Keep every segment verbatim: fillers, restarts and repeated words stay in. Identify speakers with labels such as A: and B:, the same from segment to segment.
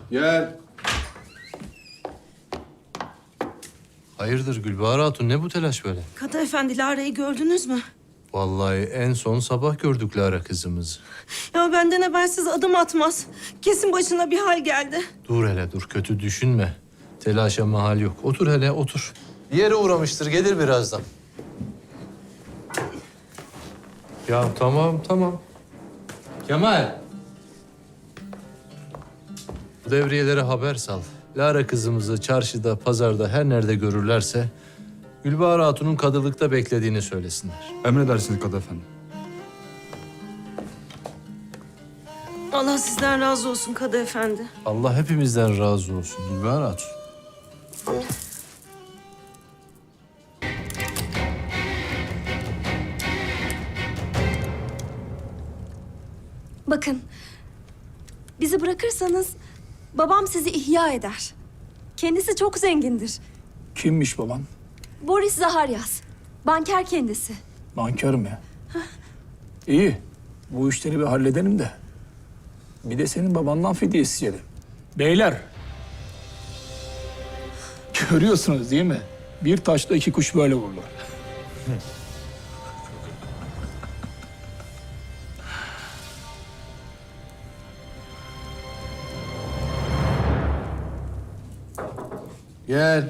A: Gel.
B: Hayırdır Gülbahar Hatun, ne bu telaş böyle?
C: Kadı efendi, Lara'yı gördünüz mü?
B: Vallahi en son sabah gördük Lara kızımızı.
C: Ya benden habersiz adım atmaz. Kesin başına bir hal geldi.
B: Dur hele dur, kötü düşünme. Telaşa mahal yok. Otur hele, otur. Bir yere uğramıştır, gelir birazdan. Ya tamam, tamam. Kemal. Bu devriyelere haber sal. Lara kızımızı çarşıda, pazarda her nerede görürlerse... Gülbahar Hatun'un kadılıkta beklediğini söylesinler.
A: Emredersiniz Kadı efendi.
C: Allah sizden razı olsun Kadı efendi.
B: Allah hepimizden razı olsun Gülbahar Hatun.
D: Bakın, bizi bırakırsanız babam sizi ihya eder. Kendisi çok zengindir.
E: Kimmiş baban?
D: Boris Zaharyas, banker kendisi.
E: Nankör mü? İyi. Bu işleri bir halledelim de. Bir de senin babandan fidye isteyelim. Beyler. Görüyorsunuz değil mi? Bir taşla iki kuş böyle vurulur.
B: Gel.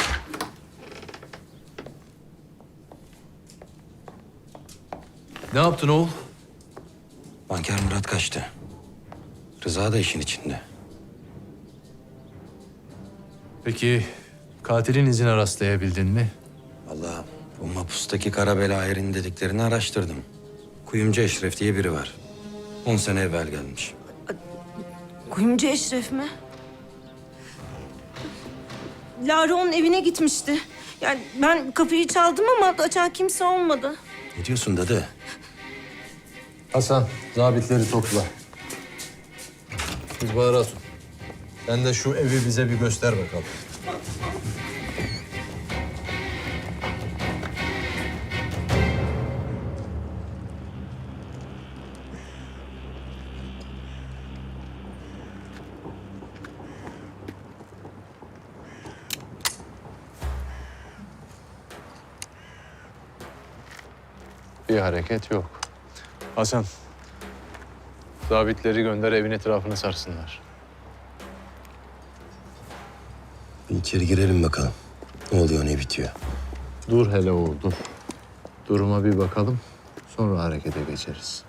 B: Ne yaptın oğul?
F: Banker Murat kaçtı. Rıza da işin içinde.
B: Peki katilin izine rastlayabildin mi?
F: Vallahi bu mapustaki kara bela erin dediklerini araştırdım. Kuyumcu Eşref diye biri var. On sene evvel gelmiş.
C: Kuyumcu Eşref mi? Lara onun evine gitmişti. Yani ben kapıyı çaldım ama açan kimse olmadı.
F: Ne diyorsun dadı?
B: Hasan, zabitleri topla. Gülbahar Hatun, sen de şu evi bize bir göster bakalım. Bir hareket yok. Hasan, zabitleri gönder, evin etrafını sarsınlar.
F: Bir içeri girelim bakalım. Ne oluyor, ne bitiyor?
B: Dur hele oğul, dur. Duruma bir bakalım, sonra harekete geçeriz.